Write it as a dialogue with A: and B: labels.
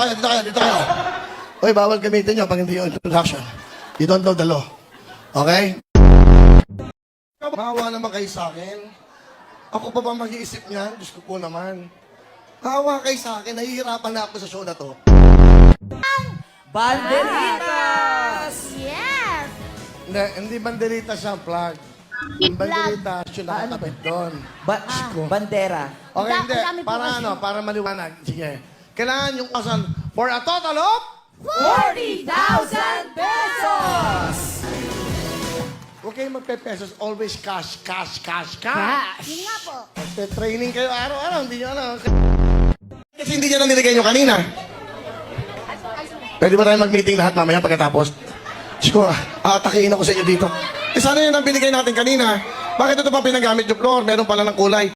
A: dito kayo. Uy, bawal gamitin nyo pag hindi yung introduction. You don't know the law. Okay? Maawa naman kayo sa akin. Ako pa ba mag-iisip niyan? Diyos ko po naman. Maawa kayo sa akin. Nahihirapan na ako sa show na to.
B: Banderitas!
C: Yes!
A: Hindi banderita siya, flag. Ang banderita, siya nakakapit doon.
B: Bandera.
A: Okay,
C: Ang
A: hindi.
C: dami po
A: Para
C: kasi.
A: ano, para maliwanag. Sige. Kailangan yung kasan for a total of
B: 40,000 pesos!
A: Huwag kayong magpe-pesos. Always cash.
C: Yun nga po.
A: Training kayo araw-araw. Hindi nyo ano. Kasi hindi nyo na nilagay nyo kanina. Pwede ba tayo mag-meeting lahat mamaya pagkatapos? Siguro, aatakiin ako sa inyo dito. Eh sana yun ang binigay natin kanina. Bakit ito pa pinagamit yung floor? Meron pala ng kulay.